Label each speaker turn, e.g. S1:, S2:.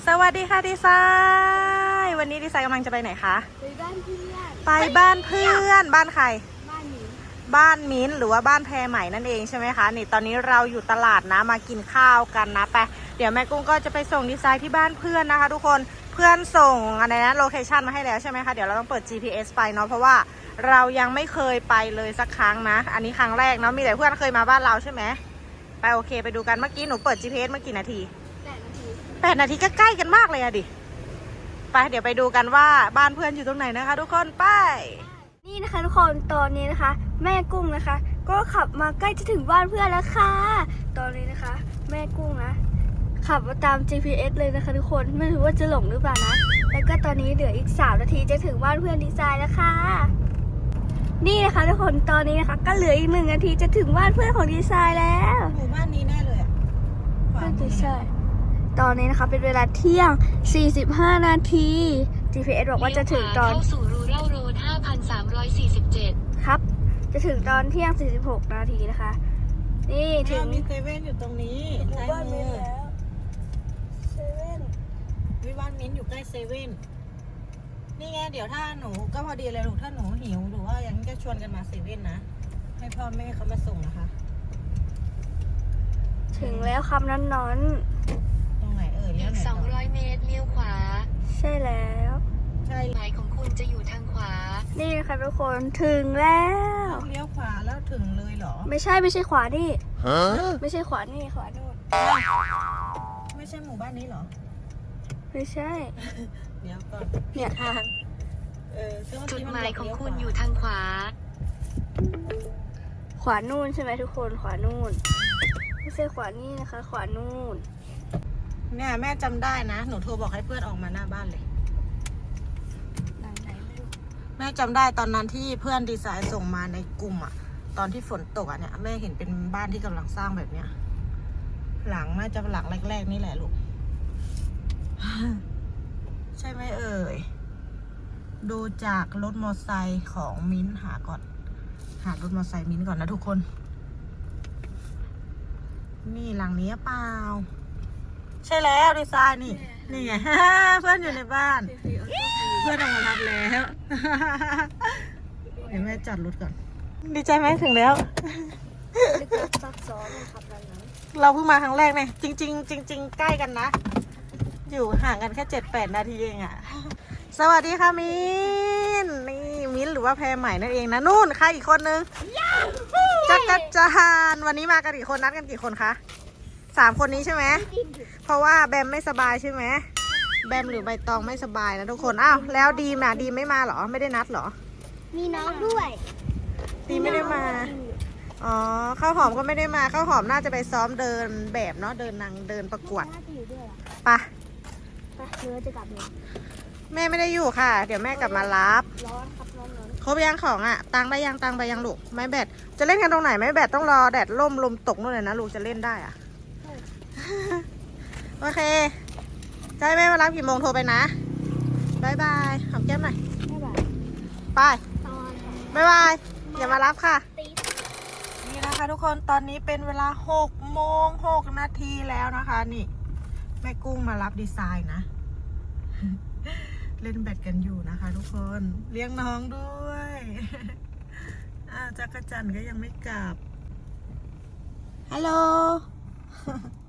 S1: สวัสดีค่ะดีไซน์วันนี้ดีไซน์กำลังจะไปไหนคะ
S2: ไปบ้านเพื่อน
S1: ไปบ้านเพื่อนบ้านใคร
S2: บ้านมิ้น
S1: บ้านมิ้นหรือว่าบ้านแพรใหม่นั่นเองใช่ไหมคะนี่ตอนนี้เราอยู่ตลาดนะมากินข้าวกันนะไปเดี๋ยวแม่กุ้งก็จะไปส่งดีไซน์ที่บ้านเพื่อนนะคะทุกคนเพื่อนส่งอะไรนะโลเคชันมาให้แล้วใช่ไหมคะเดี๋ยวเราต้องเปิด GPS ไปเนาะเพราะว่าเรายังไม่เคยไปเลยสักครั้งนะอันนี้ครั้งแรกเนาะมีแต่เพื่อนเคยมาบ้านเราใช่ไหมไปโอเคไปดูกันเมื่อกี้หนูเปิด GPS เมื่อกี่นาที8 นาทีก็ใกล้กันมากเลยอะดิไปเดี๋ยวไปดูกันว่าบ้านเพื่อนอยู่ตรงไหนนะคะทุกคนไป
S2: นี่นะคะทุกคนตอนนี้นะคะแม่กุ้งนะคะก็ขับมาใกล้จะถึงบ้านเพื่อนแล้วค่ะตอนนี้นะคะแม่กุ้งนะขับมาตาม GPS เลยนะคะทุกคนไม่รู้ว่าจะหลงหรือเปล่านะแล้วก็ตอนนี้เหลืออีก3 นาทีจะถึงบ้านเพื่อนดีไซน์แล้วค่ะนี่นะคะทุกคนตอนนี้นะคะก็เหลืออีก1 นาทีจะถึงบ้านเพื่อนของดีไซน์แล้ว
S1: หมู่บ้านนี้แน่เลยอ่ะ
S2: น่าจะใช่ตอนนี้นะคะเป็นเวลาเที่ยง45 นาที GPS บอกว่าจะถึงตอน
S3: เข้าสู่รูเล่าโรด 5,347
S2: ครับจะถึงตอนเที่ยง46 นาทีนะคะนี่ถึง
S1: มีเซเว่นอยู่ตรงนี้ใช่ไหม
S2: เซเว่น
S1: วิบ้านมิ้นอยู่ใกล้เซเว่นนี่ไงเดี๋ยวถ้าหนูก็พอดีเลยลูกถ้าหนูหิวหรือว่าอย่างนี้ก็ชวนกันมาเซเว่นนะให้พ่อแม่เขามาส่งนะคะ
S2: ถึงแล้วคำนั้นนอน
S1: ตรงไหนเอ่ย
S3: อีก200 เมตรเลี้ยวขวา
S2: ใช่แล้ว
S1: ใช่
S3: หมายของคุณจะอยู่ทางขวา
S2: นี่นะคะทุกคนถึงแล้ว
S1: เลี้ยวขวาแล้วถึงเลยเหรอ
S2: ไม่ใช่ขวานี่ไม่ใช่ขวานี่ขวาโน่น
S1: ไม่ใช่หมู่บ้านนี้เหรอ
S2: ไม่ใช่
S1: เดี๋ยวก่อน
S2: เนี่ยทาง
S3: จุดหมายของคุณอยู่ทางขวา
S2: ขวานู่นใช่ไหมทุกคนขวานู่นไม่ใช่ขวานี่นะคะขวานู่น
S1: เนี่ยแม่จำได้นะหนูโทรบอกให้เพื่อนออกมาหน้าบ้านเลยแม่จำได้ตอนนั้นที่เพื่อนดีไซน์ส่งมาในกลุ่มอะตอนที่ฝนตกอะเนี่ยแม่เห็นเป็นบ้านที่กำลังสร้างแบบเนี้ยหลังน่าจะหลังแรกๆนี่แหละลูก ใช่ไหมเอ่ยดูจากรถมอเตอร์ไซค์ของมิ้นหารถมอเตอร์ไซค์มิ้นก่อนนะทุกคนนี่หลังนี้เปล่าใช่แล้วดีไซน์นี่ไง เพื่อนอยู่ในบ้านเพื่อนออกมารับแล้วเดี๋ยวแม่จอดรถก่อนดีใจไหมถึงแล้วเราเพิ่งมาครั้งแรกเนี่ยจริงใกล้กันนะอยู่ห่างกันแค่7-8 นาทีเองอะสวัสดีค่ะมิ้นนี่มิ้นหรือว่าแพรใหม่นั่นเองนะนู่นใครอีกคนนึงจักรจันวันนี้มากันกี่คนนัดกันกี่คนคะ3 คนนี้ใช่ไหมเพราะว่าแบมไม่สบายใช่ไหมแบมหรือใบตองไม่สบายนะทุกคนอ้าวแล้วดีมอะดีไม่มาเหรอไม่ได้นัดเหรอ
S2: มีน้องด้วย
S1: ดีไม่ได้มาอ๋อข้าวหอมก็ไม่ได้มาข้าวหอมน่าจะไปซ้อมเดินแบบเนาะเดินประกวดไป
S2: เนื้อจะกลับเนี่ย
S1: แม่ไม่ได้อยู่ค่ะเดี๋ยวแม่กลับมารับ
S2: ร้อนครับร้อน
S1: ครบยังของอ่ะตังไปยังลูกไม้แบตจะเล่นกันตรงไหนไม้แบตต้องรอแดดล่มลมตกนู่นเลยนะลูกจะเล่นได้อ่ะ โอเคจะให้แม่มารับกี่โมงโทรไปนะบายบายหอมแก้มหน่อยไปบายบายอย่ามารับค่ะนี่นะคะทุกคนตอนนี้เป็นเวลา6:06 นาทีแล้วนะคะนี่แม่กุ้งมารับดีไซน์นะ เล่นแบดกันอยู่นะคะทุกคนเลี้ยงน้องด้วยจักรจันทร์ก็ยังไม่กลับฮัลโหล